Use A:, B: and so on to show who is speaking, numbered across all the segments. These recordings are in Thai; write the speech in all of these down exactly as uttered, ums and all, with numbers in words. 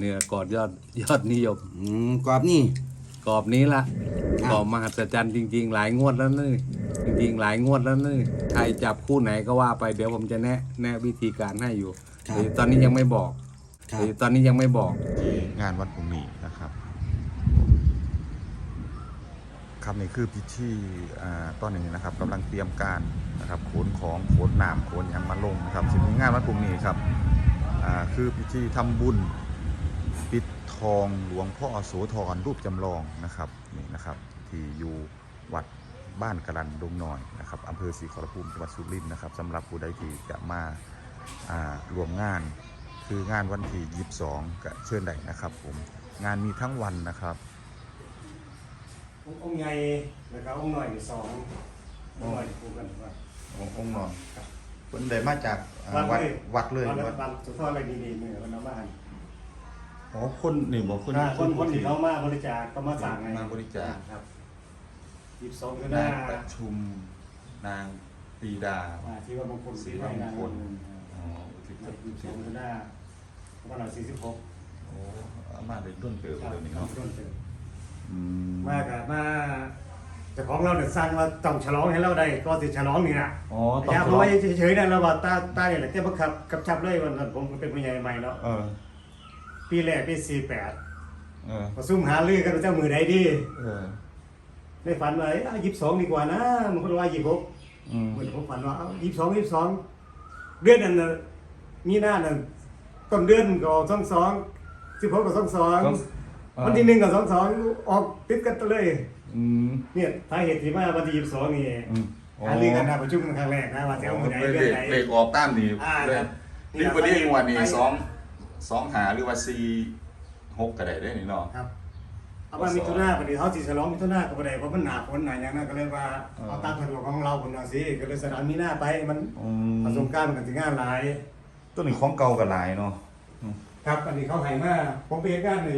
A: เนี่ยกอดยอดยอดนิยม
B: อืมกรอบนี่
A: กรอบนี้ละ
B: ครับ
A: กรอบมหัศจรรย์จริง ๆ หลายงวดแล้วนี่จริงๆ หลายงวดแล้วนี่ใครจับคู่ไหนก็ว่าไปเดี๋ยวผมจะแนะแนะวิธีการให้อยู่
B: ครับ
A: แต่ตอนนี้ยังไม่บอก
B: ครับ
A: แต่ตอนนี้ยังไม่บอก
C: งานวัดพรุ่งนี้นะครับครับนี่คือพิธีอ่าตอนนี้นะครับกำลังเตรียมการนะครับขนของขนน้ำขนหยังมาลงนะครับสิ่งงานวัดพรุ่งนี้ครับอ่าคือพิธีทำบุญปิดทองหลวงพ่อโสธรรูปจำลองนะครับนี่นะครับที่อยู่วัดบ้านกระลันดงน้อยนะครับอำเภอศรีขอรภูมิจังหวัดสุรินทร์นะครับสำหรับผู้ใดที่จะมาอ่ารวมงานคืองานวันที่ยี่สิบสองก็เชิญได้นะครับผมงานมีทั้งวันนะครับ
D: องค์ใหญ่นะครับองค์หน่อยสององค์หน่อยคู่กันว่า
C: องค์นอนเพิ่นได้มาจากอ่าวัดวัดเลย
D: วัด
C: วัด
D: วัดสุดท้ายอะไรดีๆเนี่ยมันเอามา
C: อ๋อคนนี่บอกคน
D: คนคนคนที่เขามาบริจาคก็มาสั่งไง
C: มาบริจาค
D: ครับยี่สิบสองก็ได้
C: นางประชุมนางปรีดา
D: อ่าที่ว่าบางคน
C: ศรีวัฒนมงคลอ๋อที่
D: ยี่สิบสองก็ได้วันละสี่สิบหก
C: โอ้อามาได้ต้นเติบเลยนี่เนาะ
D: ต้นเติม
C: อืม
D: มากอะมาเจ้าของเราเนี่ยสร้างว่าต้องฉลองให้เราได้ก็ติฉลองนี่นะ
C: อ๋อต้อง
D: อย่า
C: ฉ
D: เพ
C: ล
D: ราะ
C: อง
D: ว่าเฉยๆนะเราว่าตาตาเนี่ยแหละแค่บังคับกับชับเลยวันนั้นผมเป็นผู้ใหญ่ใหม่เนาะ
C: เออ
D: ปีแรกปีสี่แปด
C: เออ
D: ประซุ่มหาลือกันว่าเจ้ามือใดดี
C: เออ
D: ในฝันว่าเอ้ยยี่สิบสองดีกว่านะมันคนว่ายี่สิบหก
C: อืม
D: เหมือนผมฝันว่าเอายี่สิบสองยี่สิบสองเดือนนั้นน่ะมีหน้านั่นต้นเดือนก็สองสองสิบหกก็สองสองวันที่หนึ่งก็สองสองออกติดกันเลย
C: อืม
D: เนี่ยสาเหตุที่มาวันที่ยี่สิบสองนี่
C: อืม
D: หาลือกันนะประชุมกันครั้งแรกนะว่าจะเอามือไหนเดือนไหน
C: เลขออกตามนี่
D: อ่า
C: เลย
D: ครับ
C: นี่บ่ได้งวดนี่สองสองหาหรือว่าสี่หกก็ได้เด้นี่เนาะ
D: ครับเอาว่ามิถุนาพอดีเขาสิฉลองมิถุนาก็บ่ได้เพราะมันหนาฝนหนาอย่างนั้นก็เลยว่าเอาตามสะดวกของเราคนว่าสิก็เลยสถานมีหน้าไปมัน
C: อืม
D: ประสบการณ์มันก็สิงานหลาย
C: ตัวนี้ของเก่าก็หลายเนาะ
D: ครับอันนี้เขาให้มาผมไปเฮ็ดงานใน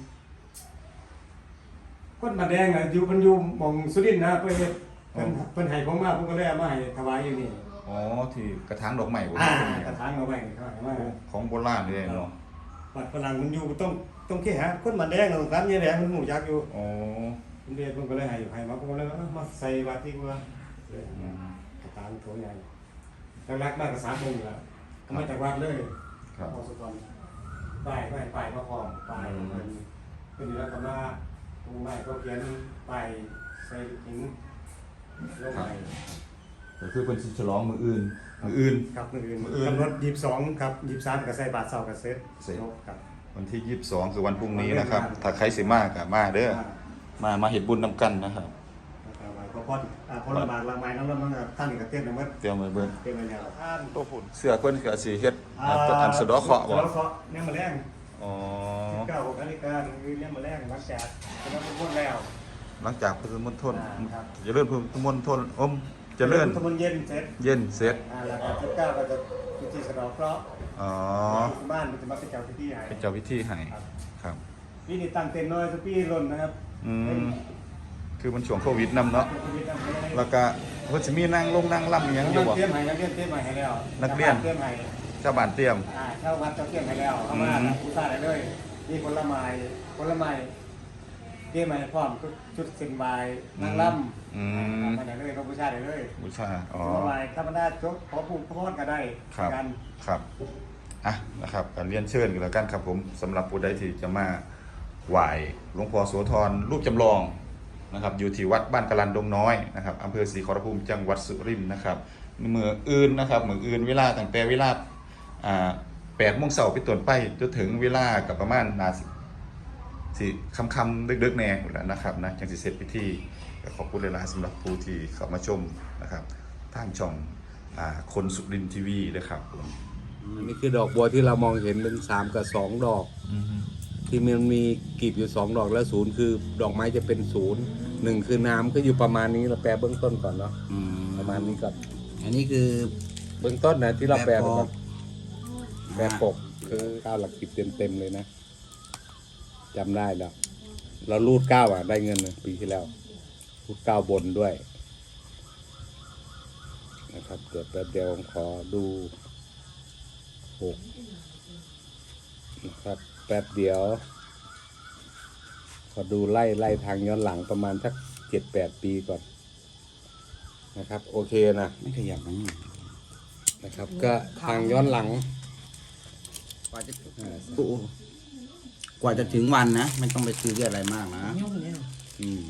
D: คนมาแดงอ่ะอยู่มันอยู่หม่องสุรินทร์นะเพิ่นเฮ็ดเพิ่นเพิ่นให้ผมมาผมก็เลยเอามาให้ถวายอยู่นี่
C: อ๋อที่กระถางดอกไม้บ่
D: อ่ากระถางเอาไว้เขาให้มา
C: ของโบราณเลยเนาะ
D: บัดฝรั่งมันอยู่ต้องต้องแค่หาคนมาแดงต้องการยายแดงมันหมู่จักอยู่
C: อ๋อ
D: ผมเรียนผมก็เลยให้ให้มาผมก็เลยเอามาใส่วัดที่ว่าเลย
C: อืม
D: กระถางโถใหญ่แรกๆมากก็สามโมงอยู่แล้วเอามาจากวัดเลย
C: ครับ
D: พอสุกรป้ายป้ายป้ายมาพร้อมป้ายเพิ่นเพิ่นอยู่แล้วก็มาตรงป้ายก็เขียนป้ายใส่หินลงไป
C: ก็คือเป็นสิฉลองมืออื่น มืออื่น
D: ครับมืออื่น
C: มื้ออื่น
D: กำหนดยี่สิบสองครับยี่สิบสามก็ใส่บาทเสาร์กับเซ็ต
C: เสร็จ
D: ครับ
C: วันที่ยี่สิบสองคือวันพรุ่งนี้นะครับ ถ้าใครสิมาก็มาเด้อ มา มาเฮ็ดบุญนำกันนะครับ
D: แล้วก็พอพออ่าพอระบาดละไม้น้ำร้อนมันก็ท่านนี่ก็เต้นนะมัน
C: เตรียมไว้เบิ่ง
D: เต้นไปแล้วท่าน
C: ตัวพุ่นเสื้อเพิ่นก็สิเฮ็ดอันอันสะเดาะเคราะห์บ่
D: สะเดาะเคราะห์เนี่ยมาแรง
C: อ๋อ
D: เก้าหกนาฬิกาคือเนี่ยมาแรงหลังจากคณะทุกคนแล้ว
C: หลังจากพุทธมณฑล
D: อ่าครับ
C: เจริญพุทธมณฑลอมเจริญ
D: ทุกคนเย็นเสร็จ
C: เย็นเสร็จ
D: อ่าแล้วก็เก้าก็จะพิธีสะเดาะเคราะห์
C: อ๋อ
D: ที่บ้านมันจะมาเป็นเจ้าพิธีให้
C: เป็นเจ้าพิธีให้ครับ
D: พี่นี่ตั้งเต็นท์น้อยสักพี่ล่นนะครับ
C: อืม คือมันช่วงโควิดนำเนาะ
D: เป็นพิธีตั้งเต็นท์ให้
C: แล้วก็เพิ่นสิมีนั่งลงนั่งล่ำอิหยังอยู่บ่
D: เตรียมให้นักเรียนเตรียมให้แล้ว
C: นักเรียน
D: เตรียมให้
C: ชาวบ้านเตรียม
D: อ่าเข้าวัดจะเตรียมให้แล้วเอามา
C: อืม
D: ผู้ชายได้เลยมีผลไม้ผลไม้เตรียมให้พร้อมชุดเส้นบายนางรำ
C: อืม
D: มาได้เลยน้องผู้ชายได้เลย
C: บูชาอ๋อ
D: ผลไม้ธรรมดาจบขอผู้พรก็ได้
C: ครับ
D: กัน
C: ครับ อ่ะ นะครับการเรียนเชิญกันแล้วกันครับผมสำหรับผู้ใดที่จะมาไหว้หลวงพ่อโสธรรูปจำลองนะครับ อยู่ที่วัดบ้านกะลันดงน้อยนะครับอำเภอศรีขอรภูมิจังหวัดสุรินทร์นะครับเมื่ออื่นนะครับเมื่ออื่นเวลาตั้งแต่เวลาอ่าแปดโมงเช้าไปต้นไปจนถึงเวลากับประมาณนาสิสิคำๆดึกๆแน่อยู่แล้วนะครับนะจังสิเสร็จพิธีก็ขอบคุณหลายๆสำหรับผู้ที่เข้ามาชมนะครับทางช่องอ่าคนสุรินทร์ทีวีนะครับผม
A: อันนี้คือดอกบัวที่เรามองเห็นเป็นสามกับสองดอก ที่มันมีกลีบอยู่สองดอกแล้วศูนย์คือดอกไม้จะเป็นศูนย์หนึ่งคือน้ำก็อยู่ประมาณนี้เราแปลเบื้องต้นก่อนเนาะ
B: อืม
A: ประมาณนี้ก่อน
B: อันนี้คือ
A: เบื้องต้นนะที่เราแปล
B: แบบปก
A: ก่อนแปลปกคือเก้าหลักสิบเต็มๆเลยนะจำได้แล้ว เรารูดเก้าอ่ะได้เงินนะปีที่แล้วรูดเก้าบนด้วยนะครับเดี๋ยวแป๊บเดียวผมขอดูหกนะครับแป๊บเดียวขอดูไล่ไล่ทางย้อนหลังประมาณสักเจ็ดแปดปีก่อนนะครับ โอเคนะ
B: ไม่ขยับนะ
A: นะครับ ก็ทางย้อนหลัง
B: กว่าจะกว่าจะถึงวันนะไม่ต้องไปซื้ออะไรมากนะ
E: ยุ่งเนี่ย
A: อืม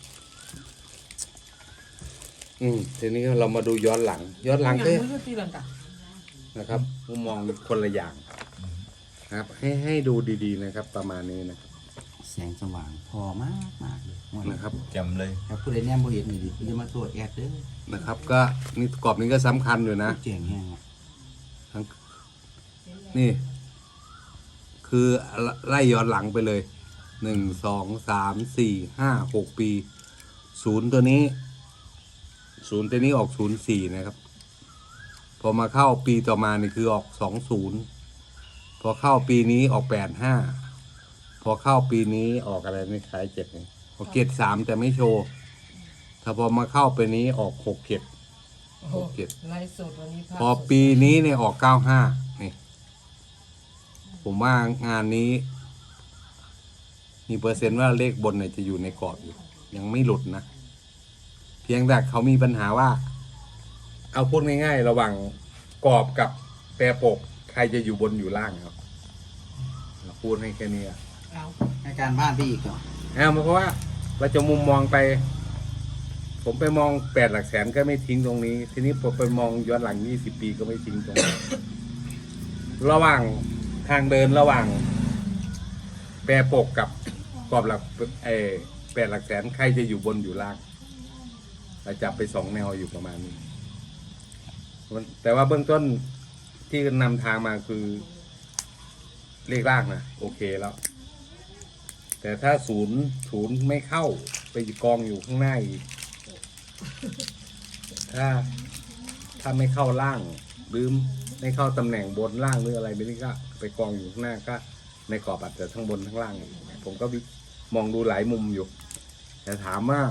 A: อืมทีนี้เรามาดูย้อนหลัง ย้อนหลัง
E: ยั
A: ก็
E: ไม่รู้ตีลังกา
A: นะครับมุมมองคนละอย่างนะครับ ให้ให้ดูดีๆนะครับ ประมาณนี้นะครับ
B: แสงสว่างพอมากมากเลย
A: นะครับ
C: จำเลย
B: ครับผู้ใดแนมบ่เห็นนี่ดิจะมาตรวจแอดเด้อ
A: นะครับ ก็นี่กรอบนี้ก็สำคัญอยู่นะ
B: เจ๋งแห้งอะ
A: ทั้งนี่ คือไล่ย้อนหลังไปเลยหนึ่งสองสามสี่ห้าหกปีศูนย์ตัวนี้ศูนย์ตัวนี้ออกศูนย์สี่นะครับ พอมาเข้าปีต่อมานี่คือออกสองศูนย์พอเข้าปีนี้ออกแปดห้าพอเข้าปีนี้ออกอะไรไม่ขายเจ็ดนี่ออกเจ็ดสามแต่ไม่โชว์ ถ้าพอมาเข้าปีนี้ออกหกเจ็ด
E: โอ้โหไลฟ์สดวันนี้ภาพ
A: พอปีนี้เนี่ยออกเก้าห้านี่ ผมว่างานนี้ มีเปอร์เซ็นต์ว่าเลขบนเนี่ยจะอยู่ในกรอบอยู่ ยังไม่หลุดนะ เพียงแต่เขามีปัญหาว่า เอาพูดง่ายๆ ระหว่างกรอบกับแปรปก ใครจะอยู่บนอยู่ล่างครับพูดให้แค่นี้อะ
E: เอา
B: ให้การบ้านพี่อีกเหรอ
A: เอาเพราะว่าเราจะมุมมองไป ผมไปมองแปดหลักแสนก็ไม่ทิ้งตรงนี้ ทีนี้ผมไปมองย้อนหลังยี่สิบปีก็ไม่ทิ้งตรงนี้ ระหว่างทางเดินระหว่าง แปรปกกับกรอบหลักเออแปดหลักแสนใครจะอยู่บนอยู่ล่างเราจับไปสองแนวอยู่ประมาณนี้ แต่ว่าเบื้องต้นที่นำทางมาคือเลขล่างนะโอเคแล้ว แต่ถ้าศูนย์ศูนย์ไม่เข้าไปกองอยู่ข้างหน้าอีก ถ้าถ้าไม่เข้าล่างหรือไม่เข้าตำแหน่งบนล่างหรืออะไรไม่นี่ก็ไปกองอยู่ข้างหน้าก็ในกรอบอาจจะทั้งบนทั้งล่างอีกผมก็วิมองดูหลายมุมอยู่ แต่ถามว่า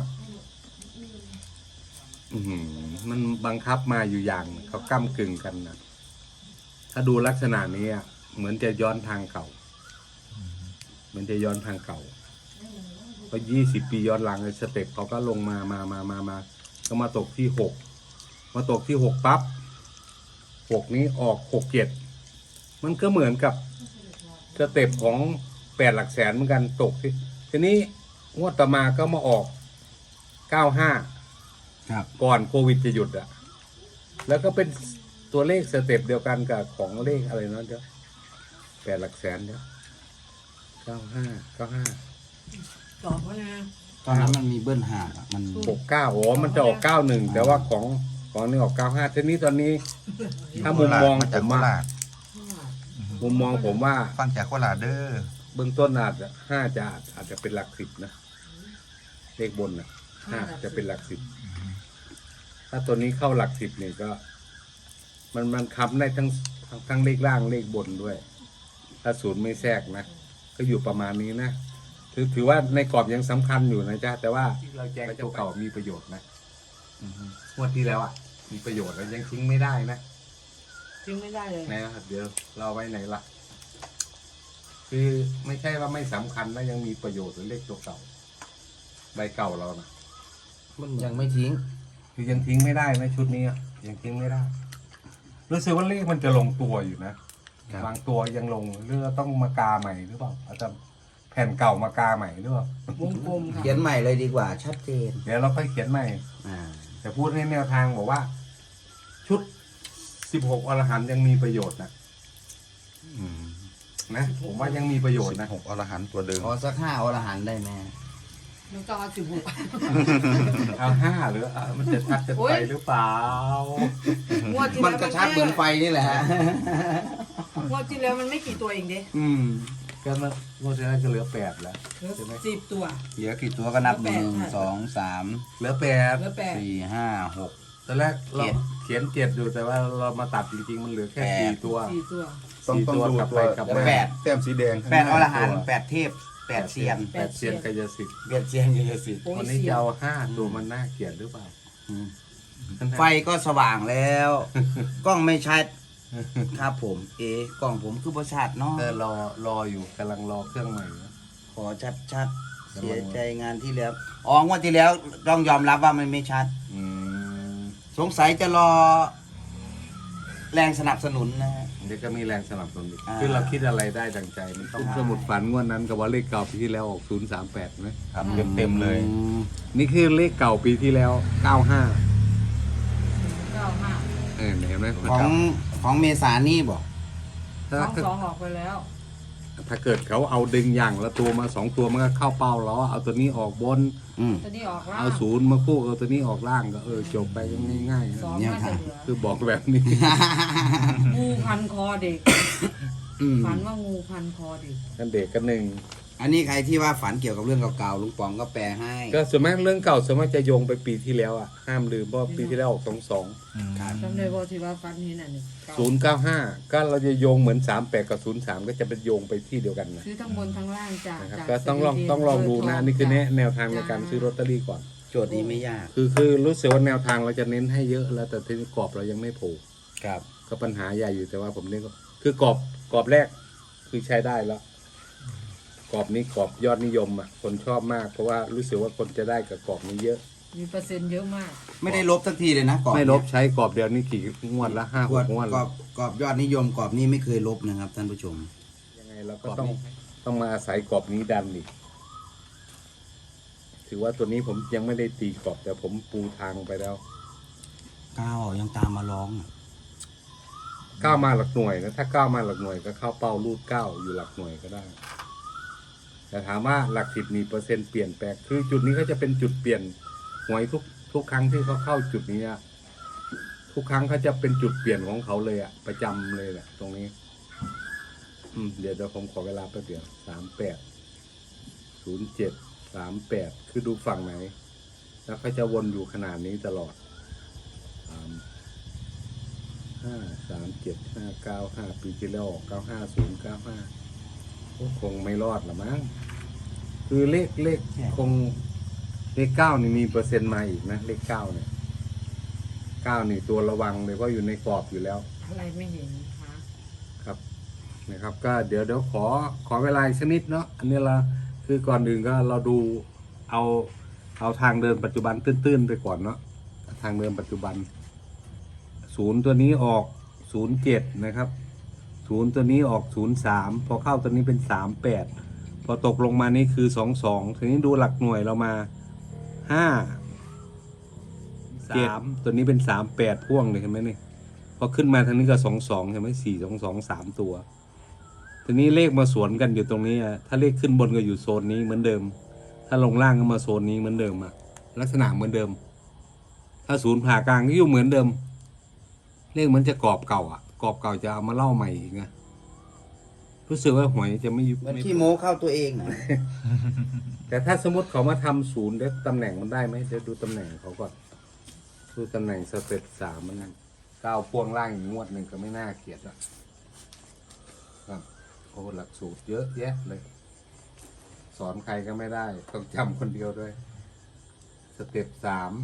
A: อืมมันบังคับมาอยู่อย่างเขาก้ำกึ่งกันนะถ้าดูลักษณะนี้อะเหมือนจะย้อนทางเก่าเหมือนจะย้อนทางเก่าเพราะยี่สิบปีย้อนหลังสเต็ปเขาก็ลงมามามามามาก็มาตกที่หกมาตกที่หกปั๊บหกนี้ออกหกเจ็ดมันก็เหมือนกับสเต็ปของแปดหลักแสนเหมือนกันตกที่ทีนี้งวดต่อมาก็มาออกเก้าห้า
B: ครับ
A: ก่อนโควิดจะหยุดอะแล้วก็เป็นตัวเลขสเต็ปเดียวกันกับของเลขอะไรนั่นเด้อแปดหลักแสนเด้อเก้าห้าเก้าห้า
E: ตอบว่านะ
B: ตอนนั้นมันมีเบิ้ลหาดอะมัน
A: หกเก้าโอ้มันจะออกเก้าหนึ่งแต่ว่าของของนี่ออกเก้าห้าทีนี้ตอนนี้ ถ้ามุมมอง
C: มา
A: ผ
C: จาก
A: ม
C: โค
A: ว่า
C: ราช
A: มุมมองผมว่า
C: ฟังจากโคราชเด้อ
A: เบื้องต้นอาจจะห้าจะอาจจะเป็นหลักสิบนะเลขบนนะห้าจะเป็นหลักสิบถ้าตัวนี้เข้าหลักสิบเนี่ยก็ มันมันคำได้ทั้งทั้งทั้งเลขล่างเลขบนด้วย ถ้าศูนย์ไม่แทรกนะก็อยู่ประมาณนี้นะถือถือว่าในกรอบยังสำคัญอยู่นะจ๊ะแต่ว่าเราแจ้งตัวเก่ามีประโยชน์นะงวดที่แล้วอ่ะ มีประโยชน์แล้วยังทิ้งไม่ได้นะ
E: ทิ้งไม่ได้เลย
A: นะครับเดี๋ยวเราไว้ไหนล่ะ คือไม่ใช่ว่าไม่สำคัญนะยังมีประโยชน์หรือเลขตัวเก่าใบเก่าเรานะ
B: มันยังไม่ทิ้ง
A: คือยังทิ้งไม่ได้นะชุดนี้อะยังทิ้งไม่ได้รู้สึกว่าเลขมันจะลงตัวอยู่นะครับ บางตัวยังลงหรือต้องมากาใหม่หรือเปล่าอาจจะแผ่นเก่ามากาใหม่หรือเปล่าว
E: งกลมค่ะ
B: เขียนใหม่เลยดีกว่าชัดเจน
A: เดี๋ยวเราค่อยเขียนใหม่
B: อ่า
A: แต่พูดในแนวทางบอกว่า ชุดสิบหกอรหันต์ยังมีประโยชน์นะนะผมว่ายังมีประโยชน์นะ
C: หกอรหันต์ตัวเดิม
B: ขอสักห้าอรหันต์ได้ไหม
E: มันก็เอาสิบหก
A: เอาห้าหรือเอามันจะชัดจะ
E: โอ๊
A: ไป
E: ย
A: หรือเปล่าง
E: วดที่
B: มัน
E: แล้ว
B: กระชับเหมือนไฟนี่แหละฮะ
E: งวดที่แล้วมันไม่กี่ตัวเองเด้
A: อืมก็มันงวดที่แล้วก็เหลือแปดแล้ว
E: เหลือ
A: ใช่ไหม
E: สิบตัว
B: เหลือกี่ตัวก็นับห
E: แปด
B: นึ่ง
E: ค่ะ
B: สองสาม
A: เหลือแปด
E: เหลือแปด
B: สี่ห้าหก
A: ตอนแรกเรา
B: เจ็ด
A: เขียนเจ็ดอยู่แต่ว่าเรามาตัดจริงๆมันเหลือแค่
B: แปด
A: สี่ตัว
E: สี่ตัว
A: สี่ตัวกลับไปกลับมา
B: แปด
C: แต้มสีแดงข้าง
B: แปด
C: น้า
B: อรหันต์แปดเทพแปดเซียน
A: แปดเซียนกายสิทธิ์
B: แปดเซียนเยสิทธิ์
E: โอ้ย
A: วันนี้
E: เสี
A: จะ
E: ย
A: เอาห้าตัวมันน่าเกลียดหรือเปล่า
B: ไฟก็สว่างแล้ว กล้องไม่ชัดครับผมเอ๊ะกล่องผมคือประชาดเนาะ
A: เออรอรออยู่กำลังรอเครื่องใหม่นะ
B: ขอชัดชัดๆเสียใจงานที่แล้วอ๋องวดที่แล้วต้องยอมรับว่ามันไม่ชัด
A: อืม
B: สงสัยจะรอ แรงสนับสนุนนะฮะ
A: เดี๋ยวก็มีแรงสนับสนุนอีก
B: อ่า
A: คือเราคิดอะไรได้ดังใจมันต้อง
B: อ่า
A: สมุดฝันงวดนั้นกับว่าเลขเก่าปีที่แล้วออกศูนย์สามแปดไหม
C: ครับเต็มเต็มๆเลย
A: นี่คือเลขเก่าปีที่แล้วเก้าห้า
E: เก้าห้า
A: เออเห็นไหม
B: ของของเมษานี่บอก
E: ส
A: ถ้า
E: อง
A: ถ้า
E: สองออกไปแล้ว
A: ถ้าเกิดเขาเอาดึงอย่างละตัวมาสองตัวมันก็เข้าเป้าแล้วเอาตัวนี้ออกบน
B: อืม
E: ตัวนี้ออกล่าง
A: เอาศูนย์มาคู่เอาตัวนี้ออกล่างก็เออจบไปง่ายๆนะ
E: สอง
B: เนี่ย
E: น่า
B: ครั
E: จะ
B: บ
E: เหลือ
A: คือบอกแบบนี้
E: งูพันคอเด็ก
A: อืม
E: ฝันว่างูพันคอเด็ก
A: กันเด็กกันหนึ่ง
B: อันนี้ใครที่ว่าฝันเกี่ยวกับเรื่องเก่าๆลุงปองก็แปลให้
A: ก็ส่วนมากเรื่องเก่าส่วนมากจะโยงไปปีที่แล้วอ่ะห้ามลืมเพราะว่าปีที่แล้วออกสองสอง
B: ครับ
E: จำได้ว่าที่ว่าฝันนี้น่ะนี่เก้า
A: ศูนย์เก้าห้าก็เราจะโยงเหมือนสามแปดกับศูนย์สามก็จะเป็นโยงไปที่เดียวกันนะ
E: ซื้อทั้งบนทั้งล่างจาก
A: นะครับ
E: จาก
A: ก็ต้องลอง
E: สวีเด
A: ต้องลองดูนะนี่คือแนะแนวทางใน
E: จ้
A: การซื้อลอตเตอรี่ก่อน
B: โจทย์นี้ไม่ยาก
A: คือคือรู้สึกว่าแนวทางเราจะเน้นให้เยอะแล้วแต่ทีนี้กรอบเรายังไม่โผล่
B: ครับ
A: ก็ปัญหาใหญ่อยู่แต่ว่าผมเน้นก็คือกรอบกรอบแรกคือใช้ได้แล้วกรอบนี้กรอบยอดนิยมอ่ะคนชอบมาก เพราะว่ารู้สึกว่าคนจะได้กับกรอบนี้เยอะ
E: มีเปอร์เซ็นต์เยอะมาก
B: ไม่ได้ลบสักทีเลยนะกรอบ
A: ไม่ลบ
B: เนี่ย
A: ใช้กรอบเดียวนี่กี่งวดละห้าก ห
B: รอบ
A: กงวด
B: กร
A: แล้
B: อ
A: ว
B: บกรอบยอดนิยมกรอบนี้ไม่เคยลบนะครับท่านผู้ชม
A: ยังไงเราก็ต้องต้องมาอาศัยกรอบนี้ดันอีกถือว่าตัวนี้ผมยังไม่ได้ตีกรอบแต่ผมปูทางไปแล้ว
B: ก้าวยังตามมาร้องอ่ะ
A: ก้าวมาหลักหน่วยนะถ้าก้าวมาหลักหน่วยก็เข้าเป้ารูดเก้าอยู่หลักหน่วยก็ได้ แต่ถามว่าหลักสิบมีเปอร์เซ็นต์เปลี่ยนแปลงคือจุดนี้ก็จะเป็นจุดเปลี่ยนหวยทุกทุกครั้งที่เขาเข้าจุดนี้อะทุกครั้งเขาจะเป็นจุดเปลี่ยนของเขาเลยอะประจำเลยแหละตรงนี้ อืมเดี๋ยวเดี๋ยวผมขอเวลาแป๊บเดียวสามแปดศูนย์เจ็ดสามแปดคือดูฝั่งไหน แล้วเขาจะวนอยู่ขนาดนี้ตลอดสามห้าสามเจ็ดห้าเก้าห้าปีที่แล้วออกเก้าห้าศูนย์เก้าห้าคงไม่รอดหรอมั้งคือเลขเลขคงเลขเก้านี่มีเปอร์เซ็นต์มาอีกนะเลขเก้าเนี่ยเก้านี่ตัวระวังเลยเพราะอยู่ในกรอบอยู่แล้ว
E: อะไรไม่เห็นคะ
A: ครับนะครับก็เดี๋ยวเดี๋ยวขอขอเวลาอีกสักนิดเนาะอันนี้เราคือก่อนอื่นก็เราดูเอาเอาทางเดินปัจจุบันตื้นๆไปก่อนเนาะทางเดินปัจจุบันศูนย์ตัวนี้ออกศูนย์เจ็ดนะครับศูนย์ตัวนี้ออกศูนย์สามพอเข้าตัวนี้เป็นสามแปดพอตกลงมานี่คือสองสองทีนี้ดูหลักหน่วยเรามาห้าสามตัวนี้เป็นสามแปดพ่วงเลยเห็นไหมนี่พอขึ้นมาทางนี้ก็สองสองใช่ไหมสี่สองสองสามตัวทีนี้เลขมาสวนกันอยู่ตรงนี้อะถ้าเลขขึ้นบนก็อยู่โซนนี้เหมือนเดิม ถ้าลงล่างก็มาโซนนี้เหมือนเดิมอะลักษณะเหมือนเดิม ถ้าศูนย์ผ่ากลางก็อยู่เหมือนเดิม เลขเหมือนจะกรอบเก่าอ่ะกรอบเก่าจะเอามาเล่าใหม่อีกนะรู้สึกว่าหวยจะไม่ยุบ
B: เหมือนขี้โม้เข้าตัวเองนะ
A: แต่ถ้าสมมติเขามาทำศูนย์ได้ตำแหน่งมันได้ไหมเดี๋ยวดูตำแหน่งเขาก่อนดูตำแหน่งสเต็ปสามมันนั่นก้าวพ่วงล่างอีกงวดหนึ่งก็ไม่น่าเกลียดอ่ะครับโอ้หลักสูตรเยอะแยะเลย สอนใครก็ไม่ได้ต้องจำคนเดียวด้วย สเต็ปสาม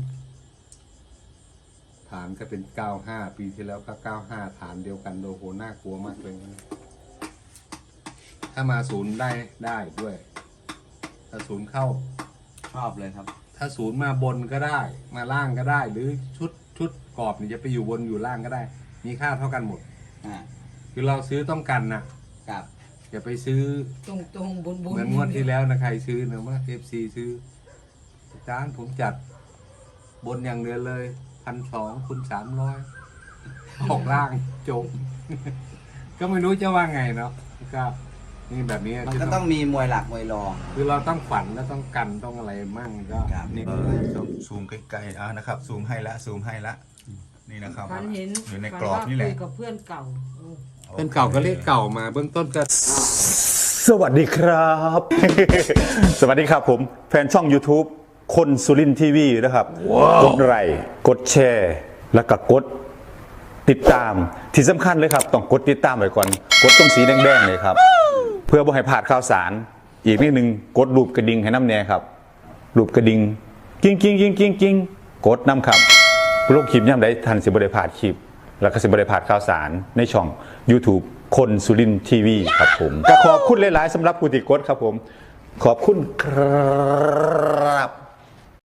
A: ฐานก็เป็นเก้าห้าปีที่แล้วก็เก้าห้าฐานเดียวกันโอ้โหน่ากลัวมากเลยนะถ้ามาศูนย์ได้ได้ด้วย ถ้าศูนย์เข้า
B: ชอบเลยครับ
A: ถ้าศูนย์มาบนก็ได้ มาล่างก็ได้ หรือชุดชุดกรอบนี่จะไปอยู่บนอยู่ล่างก็ได้ มีค่าเท่ากันหมด
B: อ่า
A: คือเราซื้อต้องกันนะครับ อย่าไปซื้อ
E: ตรงตรงๆบุญบุญ
A: เหมือนงวดที่แล้วนะใครซื้อนะว่าเอฟซีซื้ออาจารย์ผมจัดบนอย่างเดียวเลยพันสองคูณสามร้อยออกล่างจบ ก็ไม่รู้จะว่าไงเนาะก็นี่แบบนี้
B: มันก็ต้องมีมวยหลักมวยรอง
A: คือเราต้องฝันแล้วต้องกันต้องอะไรมั่งก็
B: ครับ
A: นี่
C: เออซูมใกล้ๆอ่ะนะครับซูมให้ละซูมให้ละนี่นะครับ
E: ฝันเห็น
C: อยู่ใน
E: ฝั
C: กรอบ
E: ว่า
C: นี่แหละ
E: คุยกับเพื่อนเก่าโอ้
A: เป็นเก่าก็เลขเก่ามาเบื้องต้นก็
F: สวัสดีครับ สวัสดีครับผม แฟนช่อง YouTube คนสุรินทีวีนะครับ กดไลค์กดแชร์ แล้วก็กดติดตามที่สำคัญเลยครับ ต้องกดติดตามไว้ก่อน กดตรงสีแดงๆเลยครับ เพื่อบ่ให้พลาดข่าวสาร อีกนิดนึงกดรูปกระดิ่งให้น้ำแน่ครับรูปกระดิ่งกิ้งกิ้งกิ้งกิ้งกิ้งกดน้ำครับโลกคลิปย่ำได้ทันสิบได้พลาดคลิปแล้วก็สิบริพลาดข่าวสารในช่อง YouTube คนสุรินทีวีครับผมก็ขอบคุณหลายๆสำหรับผู้ติดกดครับผมขอบคุณครับ